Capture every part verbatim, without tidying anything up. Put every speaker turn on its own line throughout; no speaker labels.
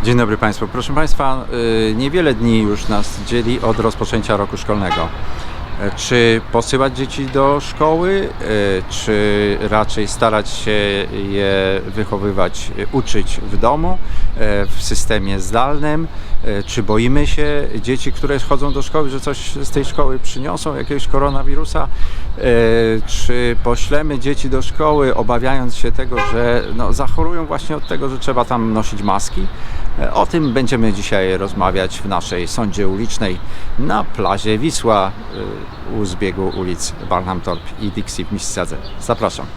Dzień dobry Państwu. Proszę Państwa, niewiele dni już nas dzieli od rozpoczęcia roku szkolnego. Czy posyłać dzieci do szkoły, czy raczej starać się je wychowywać, uczyć w domu, w systemie zdalnym? Czy boimy się dzieci, które chodzą do szkoły, że coś z tej szkoły przyniosą, jakiegoś koronawirusa? Czy poślemy dzieci do szkoły, obawiając się tego, że no, zachorują właśnie od tego, że trzeba tam nosić maski? O tym będziemy dzisiaj rozmawiać w naszej sądzie ulicznej na plaży Wisła u zbiegu ulic Barnham Thorpe i Dixie w Mississadze. Zapraszam.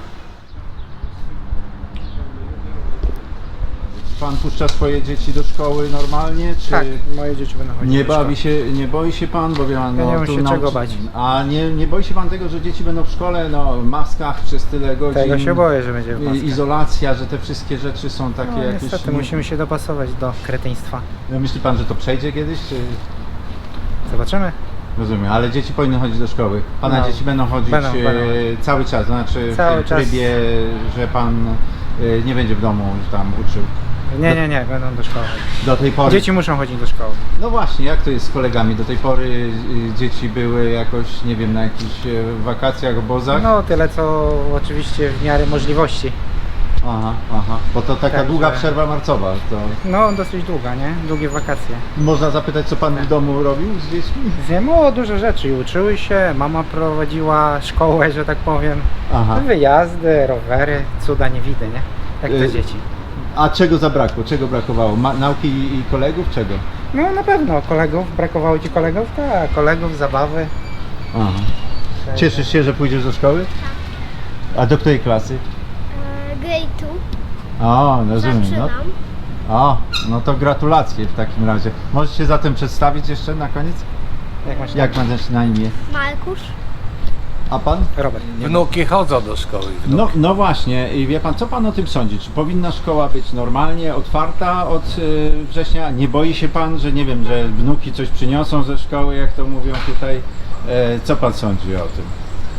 Pan puszcza swoje dzieci do szkoły normalnie? Czy
Tak, moje dzieci będą chodzić
nie
do szkoły.
bawi się, nie boi się Pan? Bo wie pan,
Ja
no,
nie mam
tu
się
nauczy-
czego bać.
A nie, nie boi się Pan tego, że dzieci będą w szkole no, w maskach przez tyle godzin?
Tego się boję, że będzie w
i-
maskach.
Izolacja, że te wszystkie rzeczy są takie
No,
jakieś...
niestety,
nie-
musimy się dopasować do kretyństwa.
No, myśli Pan, że to przejdzie kiedyś? Czy...
Zobaczymy.
Rozumiem, ale dzieci powinny chodzić do szkoły. Pana
No,
dzieci będą chodzić
będą,
e,
będą.
cały czas, znaczy
Cały
w tym
czas.
trybie, że Pan e, nie będzie w domu że tam uczył.
Nie, nie, nie, będą do szkoły chodzić.
Do tej pory.
Dzieci muszą chodzić do szkoły.
No właśnie, jak to jest z kolegami? Do tej pory y, dzieci były jakoś, nie wiem, na jakichś e, wakacjach, obozach?
No tyle co oczywiście w miarę możliwości.
Aha, aha. Bo to taka
Także-
długa przerwa marcowa. To...
No dosyć długa, nie? Długie wakacje.
Można zapytać, co Pan w domu robił z dziećmi?
Wiem o dużo rzeczy i uczyły się. Mama prowadziła szkołę, że tak powiem.
Aha.
Wyjazdy, rowery, cuda nie widzę, nie? Jak to
Y-
dzieci.
A czego zabrakło? Czego brakowało? Ma nauki i, i kolegów? Czego?
No na pewno kolegów. Brakowało ci kolegów? Tak, kolegów, zabawy.
Aha. Cieszysz się, że pójdziesz do szkoły? A do której klasy?
Grade
O, rozumiem. No,
Zaczynam.
o, no to gratulacje w takim razie. Możesz się zatem przedstawić jeszcze na koniec?
Jak masz
Jak masz na imię?
Markusz.
A Pan?
Robert.
Wnuki chodzą do szkoły. Wnuki.
No, no właśnie, i wie Pan, co Pan o tym sądzi? Czy powinna szkoła być normalnie otwarta od y, września? Nie boi się Pan, że nie wiem, że wnuki coś przyniosą ze szkoły, jak to mówią tutaj? E, co Pan sądzi o tym?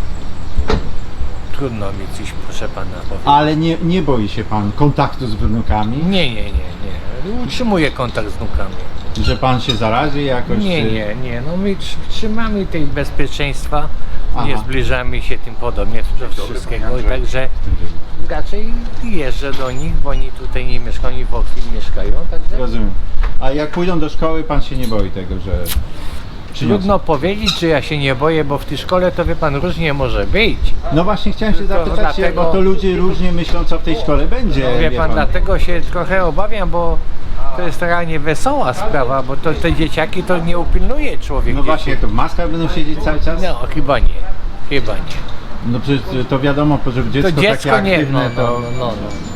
Trudno mi coś, proszę pana, powiedzieć.
Ale nie, nie boi się Pan kontaktu z wnukami?
Nie, nie, nie, nie. Utrzymuję kontakt z wnukami.
Że Pan się zarazi jakoś?
Nie,
czy-
nie, nie. No my tr- trzymamy tej bezpieczeństwa,
Aha.
nie zbliżamy się tym podobnie do wszystkiego. I także raczej jeżdżę do nich, bo oni tutaj nie mieszkają, oni w Oakville mieszkają. Także
Rozumiem. A jak pójdą do szkoły, Pan się nie boi tego, że przyniosą?
trudno powiedzieć, czy ja się nie boję, bo w tej szkole to wie pan różnie może być.
No właśnie chciałem się
To
zapytać,
dlatego-
bo to ludzie różnie myślą, co w tej szkole będzie.
Wie pan, dlatego się trochę obawiam, bo to jest taka niewesoła sprawa, bo to te dzieciaki to nie upilnuje człowiek.
No właśnie, jak to w maskach będą siedzieć cały czas?
No chyba nie, chyba nie.
No przecież to wiadomo, że dziecko,
To dziecko
takie
nie,
aktywne,
no, no,
to,
no, no,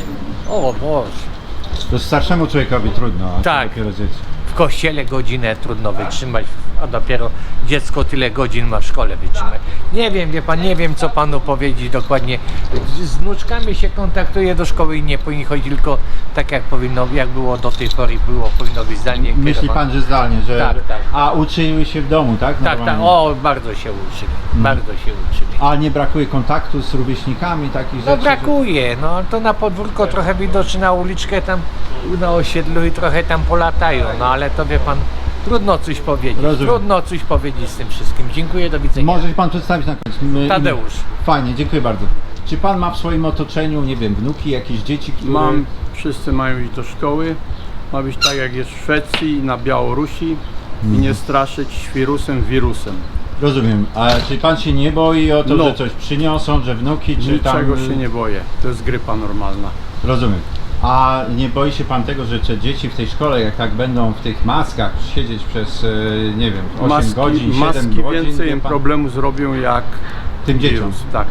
no. O Boże.
to starszemu człowiekowi trudno, a
Tak.
to dopiero dzieci.
W kościele godzinę trudno wytrzymać, a dopiero dziecko tyle godzin ma w szkole wytrzymać. Nie wiem, wie pan, nie wiem co panu powiedzieć dokładnie. Z wnuczkami się kontaktuje do szkoły i nie powinni chodzić, tylko tak jak powinno, jak było do tej pory, było, powinno być zdalnie
Myśli
kierowane.
pan, że zdalnie, że...
Tak, tak.
A uczyły się w domu, tak?
Tak, tak,
Normalnie?
o, bardzo się uczyli, bardzo się uczyli.
A nie brakuje kontaktu z rówieśnikami, takich
No
rzeczy?
brakuje, no to na podwórko trochę widocznie na uliczkę tam na osiedlu i trochę tam polatają, no ale to wie pan, trudno coś powiedzieć,
Rozumiem.
trudno coś powiedzieć z tym wszystkim. Dziękuję, do widzenia.
Może się pan przedstawić na koniec? My-
Tadeusz.
Fajnie, dziękuję bardzo. Czy pan ma w swoim otoczeniu, nie wiem, wnuki, jakieś dzieci, które...
Mam, wszyscy mają iść do szkoły. Ma być tak jak jest w Szwecji i na Białorusi i nie straszyć wirusem wirusem.
Rozumiem. A czy pan się nie boi o to,
No.
że coś przyniosą, że wnuki, czy
Niczego
tam...
się nie boję. To jest grypa normalna.
Rozumiem. A nie boi się pan tego, że te dzieci w tej szkole, jak tak będą w tych maskach siedzieć przez, e, nie wiem, osiem
Maski,
godzin, siedem
maski
godzin,
więcej
wie
im
pan?
problemu zrobią jak
Tym dzieciom.
wirus. Tak.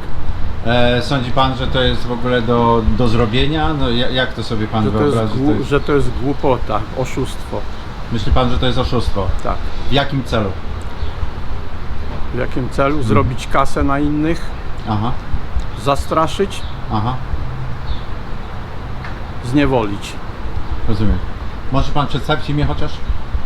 E, sądzi pan, że to jest w ogóle do, do zrobienia? No, ja- jak to sobie pan
Że to, jest
wyobrazi? To
głu-
jest...
że to jest głupota, oszustwo.
Myśli pan, że to jest oszustwo?
Tak.
W jakim celu?
W jakim celu? Zrobić kasę na innych,
Aha,
zastraszyć,
aha,
zniewolić.
rozumiem. Może pan przedstawić imię chociaż?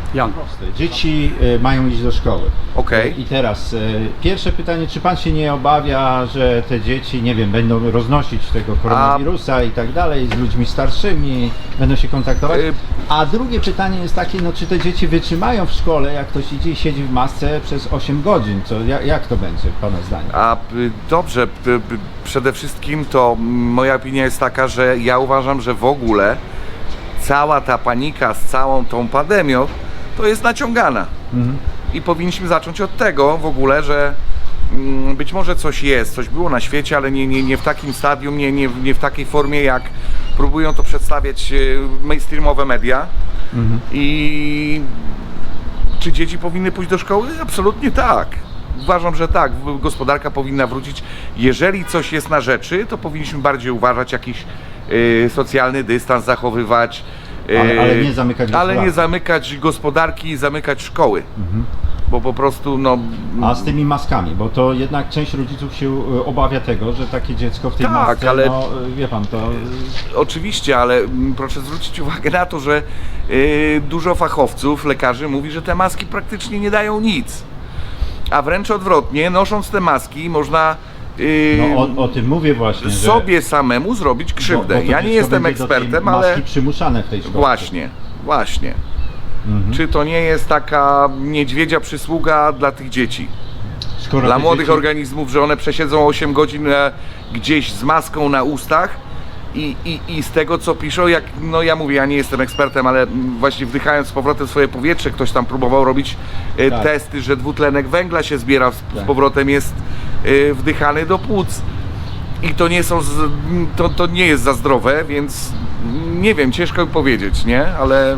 Jan.
Dzieci e, mają iść do szkoły.
Okej.
I teraz e, pierwsze pytanie, czy pan się nie obawia, że te dzieci, nie wiem, będą roznosić tego koronawirusa i tak dalej, z ludźmi starszymi, będą się kontaktować?
Y-
A drugie pytanie jest takie, no czy te dzieci wytrzymają w szkole, jak ktoś idzie i siedzi w masce przez osiem godzin? Co, jak, jak to będzie, pana zdaniem?
A y, dobrze, y, y, przede wszystkim to mm, moja opinia jest taka, że ja uważam, że w ogóle cała ta panika z całą tą pandemią to jest naciągana.
Mhm.
I powinniśmy zacząć od tego w ogóle, że mm, być może coś jest, coś było na świecie, ale nie, nie, nie w takim stadium, nie, nie, nie w takiej formie, jak próbują to przedstawiać y, mainstreamowe media.
Mhm.
I czy dzieci powinny pójść do szkoły? Absolutnie tak. Uważam, że tak. Gospodarka powinna wrócić. Jeżeli coś jest na rzeczy, to powinniśmy bardziej uważać, jakiś y, socjalny dystans zachowywać. y,
Ale- ale nie zamykać
Ale
gospodarki.
nie zamykać gospodarki i zamykać szkoły.
Mhm.
Bo po prostu no...
A z tymi maskami, bo to jednak część rodziców się e, obawia tego, że takie dziecko w tej
Tak,
masce,
ale-
no e, wie pan, to e,
Oczywiście, ale mm, proszę zwrócić uwagę na to, że y, dużo fachowców, lekarzy mówi, że te maski praktycznie nie dają nic. A wręcz odwrotnie, nosząc te maski można y,
no, o, o tym mówię właśnie, że
sobie samemu zrobić krzywdę.
bo- bo to
ja nie
dziecko
jestem
będzie do tej
ekspertem,
maski
ale
przymuszane w tej szkole.
właśnie, właśnie.
Mhm.
Czy to nie jest taka niedźwiedzia przysługa dla tych dzieci?
Skoro
Dla
te
młodych
dzieci-
organizmów, że one przesiedzą osiem godzin e, gdzieś z maską na ustach i, i, i z tego co piszą, jak, no ja mówię, ja nie jestem ekspertem, ale mm, właśnie wdychając z powrotem swoje powietrze, ktoś tam próbował robić e,
Tak.
testy, że dwutlenek węgla się zbiera, z,
Tak.
z powrotem jest e, wdychany do płuc. I to nie są, z, to, to nie jest za zdrowe, więc nie wiem, ciężko mi powiedzieć, nie? Ale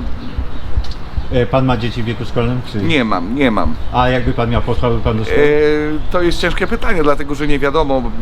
E, Pan ma dzieci w wieku szkolnym? Czy...
nie mam, nie mam.
A jakby pan miał, posłałby pan do szkoły?
E, to jest ciężkie pytanie, dlatego że nie wiadomo. b-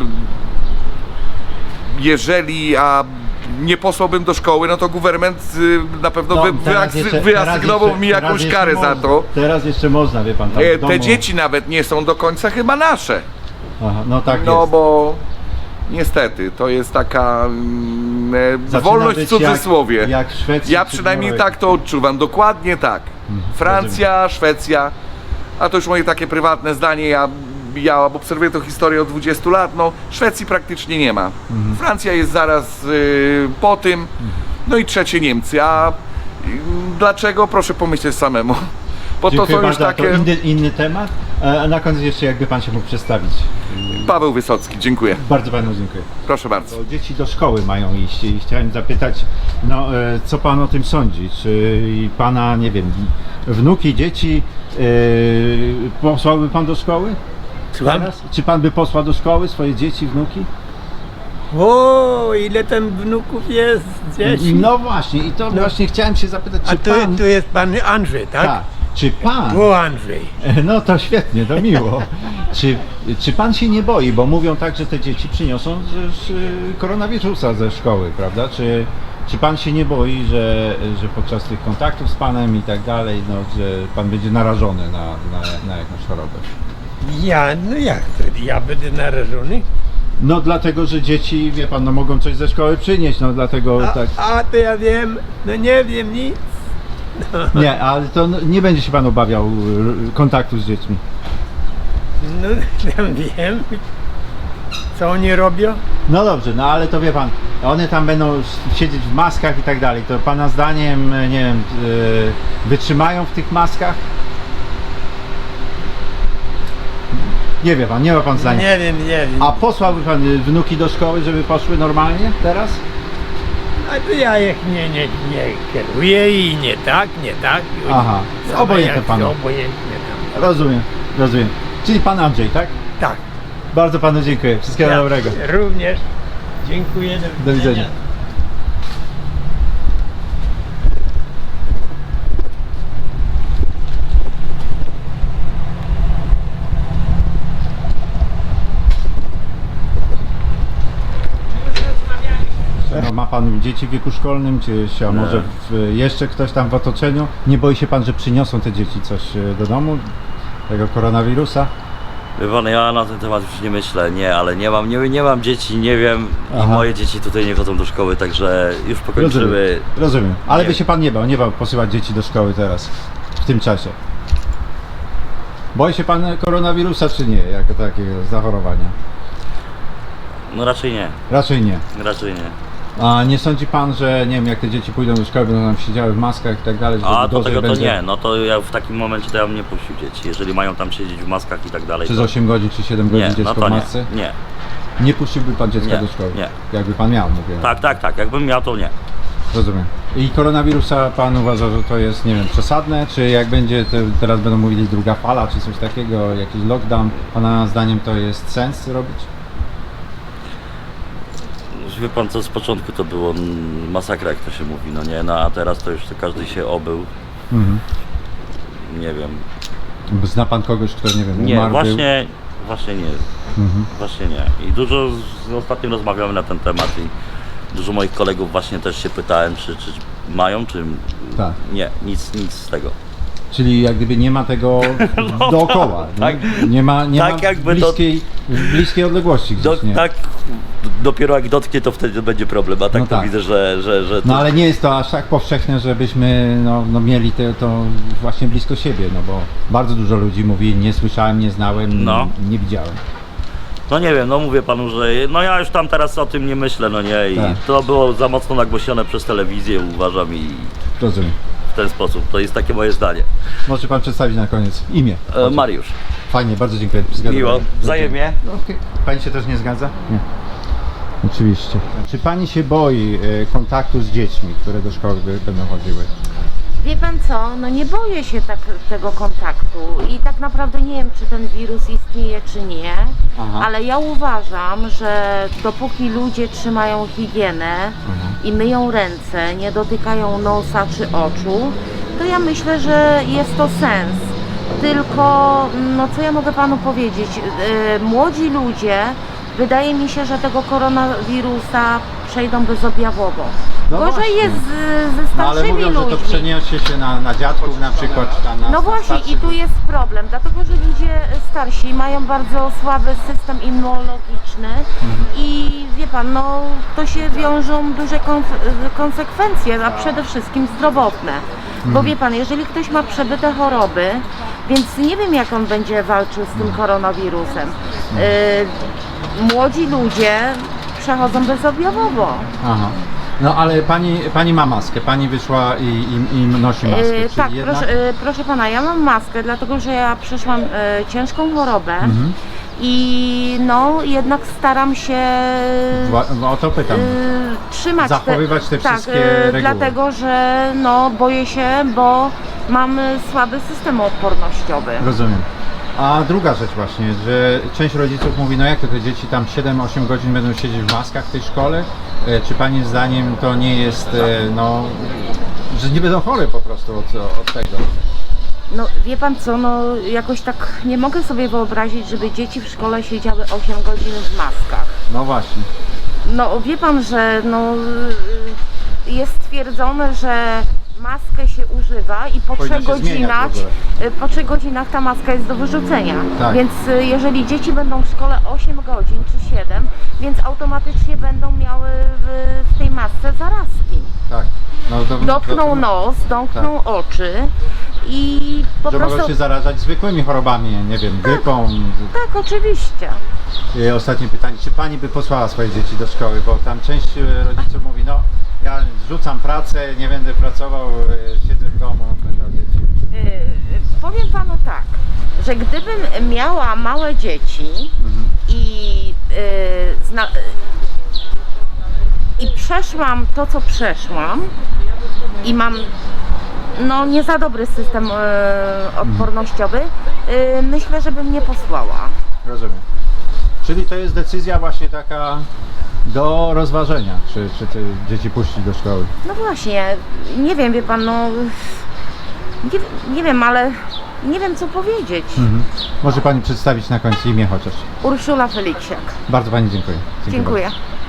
Jeżeli a nie posłałbym do szkoły, no to guwernement y, na pewno
No,
wy,
teraz
wyasy-
jeszcze-
wyasygnował
teraz
mi
jeszcze-
jakąś
teraz
karę
jeszcze
za
można.
to.
Teraz jeszcze można, wie pan, tam
E,
w domu...
Te dzieci nawet nie są do końca chyba nasze.
Aha, no tak
No
jest.
bo niestety to jest taka mm, e,
Zaczyna
wolność w
być
cudzysłowie.
Jak, jak w Szwecji
Ja
czy
przynajmniej
Norwegii.
tak to odczuwam, dokładnie tak. Francja, Szwecja, a to już moje takie prywatne zdanie, ja, ja obserwuję tę historię od dwudziestu lat, no Szwecji praktycznie nie ma. Francja jest zaraz y, po tym, no i trzecie Niemcy, a y, dlaczego? Proszę pomyśleć samemu. Bo to
Dziękuję
są już
bardzo.
takie...
To inny, inny temat. E, A na koniec jeszcze jakby pan się mógł przedstawić.
Paweł Wysocki, dziękuję.
Bardzo panu dziękuję.
Proszę bardzo.
To dzieci do szkoły mają iść i chciałem zapytać, no e, co pan o tym sądzi? Czy pana, nie wiem, wnuki, dzieci e, posłałby pan do szkoły?
Słucham?
Teraz? Czy pan by posłał do szkoły swoje dzieci, wnuki?
O, ile tam wnuków jest, dzieci.
No właśnie, i to właśnie chciałem się zapytać, czy
A tu,
pan...
tu jest pan Andrzej, tak?
Tak. Czy pan...
O, Andrzej.
No to świetnie, to miło. Czy, czy pan się nie boi, bo mówią tak, że te dzieci przyniosą też y, koronawirusa ze szkoły, prawda? Czy, czy pan się nie boi, że, że podczas tych kontaktów z panem i tak dalej, no, że pan będzie narażony na, na, na jakąś chorobę?
Ja, no jak to, ja będę narażony?
No dlatego, że dzieci, wie pan, no mogą coś ze szkoły przynieść, no dlatego
A,
tak.
a to ja wiem, no nie wiem nic.
Nie, ale to no, nie będzie się pan obawiał y, kontaktu z dziećmi.
No tam wiem, co oni robią.
No dobrze, no ale to wie pan, one tam będą siedzieć w maskach i tak dalej. To pana zdaniem, nie wiem, yy, wytrzymają w tych maskach? Nie wie pan, nie ma pan zdania.
Nie wiem, nie wiem.
A posłałby pan y, wnuki do szkoły, żeby poszły normalnie teraz?
A to ja ich nie, nie, nie kieruję i nie tak, nie tak. I
Aha,
same
obojętne
jak
panu.
Obojętnie tam.
Rozumiem, rozumiem. Czyli pan Andrzej, tak?
Tak.
Bardzo panu dziękuję. Wszystkiego
Ja
dobrego.
również. Dziękuję.
Do widzenia. No, ma pan dzieci w wieku szkolnym, czy się, a może w, jeszcze ktoś tam w otoczeniu? Nie boi się pan, że przyniosą te dzieci coś e, do domu, tego koronawirusa?
Wie pan, ja na ten temat już nie myślę, nie, ale nie mam, nie, nie mam dzieci, nie wiem
Aha.
i moje dzieci tutaj nie chodzą do szkoły, także już pokończymy.
Rozumiem, rozumiem. Ale
Nie.
by się pan nie bał, nie bał posyłać dzieci do szkoły teraz. w tym czasie? Boi się pan koronawirusa czy nie, jako takiego zachorowania?
No raczej nie,
Raczej nie.
raczej nie.
A nie sądzi pan, że nie wiem, jak te dzieci pójdą do szkoły, będą tam siedziały w maskach i tak dalej, że
A do
dłużej
tego to
będzie
nie, no to ja w takim momencie to ja bym nie puścił dzieci. Jeżeli mają tam siedzieć w maskach i tak dalej.
przez
to...
osiem godzin czy siedem godzin
Nie,
dziecko
no to
w
nie,
masce?
nie.
Nie puściłby pan dziecka
Nie,
do szkoły?
nie.
Jakby pan miał, mówię.
Tak, tak, tak. Jakbym miał, to nie.
Rozumiem. I koronawirusa pan uważa, że to jest, nie wiem, przesadne, czy jak będzie, te, teraz będą mówili druga fala, czy coś takiego, jakiś lockdown, pana zdaniem to jest sens robić?
Wie pan co, z początku to było mm, masakra, jak to się mówi, no nie, no a teraz to już to każdy się obył.
Mhm.
Nie wiem.
Zna pan kogoś, kto, nie wiem,
Nie,
umarł? był?
właśnie, właśnie nie.
Mhm.
Właśnie nie. I dużo z, z ostatnio rozmawiamy na ten temat i dużo moich kolegów właśnie też się pytałem, czy, czy mają, czy
Tak.
nie, nic, nic z tego.
Czyli jak gdyby nie ma tego
No
dookoła,
tak,
nie? Nie ma, nie
tak
ma w,
jakby to-
bliskiej, w bliskiej odległości
Do,
gdzieś, nie?
tak, dopiero jak dotknie, to wtedy będzie problem, a tak
No
to
tak.
widzę, że, że, że to...
No ale nie jest to aż tak powszechne, żebyśmy no, no mieli te, to właśnie blisko siebie, no bo bardzo dużo ludzi mówi, nie słyszałem, nie znałem,
No.
nie widziałem.
No nie wiem, no mówię panu, że no ja już tam teraz o tym nie myślę, no nie, i
Tak.
to było za mocno nagłośnione przez telewizję, uważam, i
Rozumiem.
w ten sposób, to jest takie moje zdanie.
Może pan przedstawić na koniec imię?
E, Mariusz,
Fajnie, bardzo dziękuję. Zgadzam
miło,
się.
wzajemnie.
No, okej. Pani się też nie zgadza? Nie. Oczywiście. Czy pani się boi e, kontaktu z dziećmi, które do szkoły by- będą chodziły?
Wie pan co, no nie boję się tak tego kontaktu i tak naprawdę nie wiem, czy ten wirus istnieje, czy nie,
Aha.
ale ja uważam, że dopóki ludzie trzymają higienę i myją ręce, nie dotykają nosa czy oczu, to ja myślę, że jest to sens. Tylko, no co ja mogę panu powiedzieć, yy, młodzi ludzie, wydaje mi się, że tego koronawirusa przejdą bezobjawowo.
No
Gorzej
właśnie.
jest z, ze
No ale
starszymi
mówią, że to
ludźmi.
przeniesie się na, na dziadków na przykład, czy tam na
No
na
właśnie i
starszych.
tu jest problem, dlatego że ludzie starsi mają bardzo słaby system immunologiczny i wie pan, no to się wiążą duże konf- konsekwencje, a przede wszystkim zdrowotne. Bo wie pan, jeżeli ktoś ma przebyte choroby, więc nie wiem jak on będzie walczył z tym koronawirusem. Y, młodzi ludzie przechodzą bezobjawowo.
Aha. No ale pani, pani ma maskę, pani wyszła i, i, i nosi maskę.
E,
czyli
tak,
jednak...
proszę, e, proszę pana, ja mam maskę, dlatego że ja przeszłam e, ciężką chorobę
Mhm.
i no jednak staram się
Wła- no, o to pytam.
e, trzymać
Zachowywać te
tak,
wszystkie
e,
reguły.
dlatego że no boję się, bo mam e, słaby system odpornościowy.
Rozumiem. A druga rzecz właśnie, że część rodziców mówi, no jak to te dzieci tam siedem osiem godzin będą siedzieć w maskach w tej szkole? E, Czy pani zdaniem to nie jest, e, no, że nie będą chore po prostu od, od tego?
No wie pan co, no jakoś tak nie mogę sobie wyobrazić, żeby dzieci w szkole siedziały osiem godzin w maskach.
No właśnie.
No wie pan, że no, y, jest stwierdzone, że maskę się używa i po
Powinno
trzech
się zmieniać
godzinach,
w
y, po trzech godzinach ta maska jest do wyrzucenia.
Tak.
Więc y, jeżeli dzieci będą w szkole osiem godzin czy siedem, więc automatycznie będą miały w, w tej masce zarazki.
Tak. No, to,
Dotkną
to,
nos, domkną oczy i po
że
prostu...
mogą się zarażać zwykłymi chorobami, nie wiem, grypą.
Tak, oczywiście.
I ostatnie pytanie, czy pani by posłała swoje dzieci do szkoły, bo tam część e, rodziców mówi, no ja rzucam pracę, nie będę pracował, e, siedzę w domu, będę o dzieci.
Yy, powiem panu tak, że gdybym miała małe dzieci i, yy, zna, yy, i przeszłam to, co przeszłam i mam no nie za dobry system yy, odpornościowy, yy, myślę, że bym nie posłała.
Rozumiem. Czyli to jest decyzja właśnie taka do rozważenia, czy, czy te dzieci puścić do szkoły.
No właśnie, nie wiem, wie pan, no nie, nie wiem, ale nie wiem co powiedzieć.
Mhm. Może pani przedstawić na końcu imię chociaż.
Urszula Feliksiak.
Bardzo pani dziękuję.
Dziękuję.
bardzo.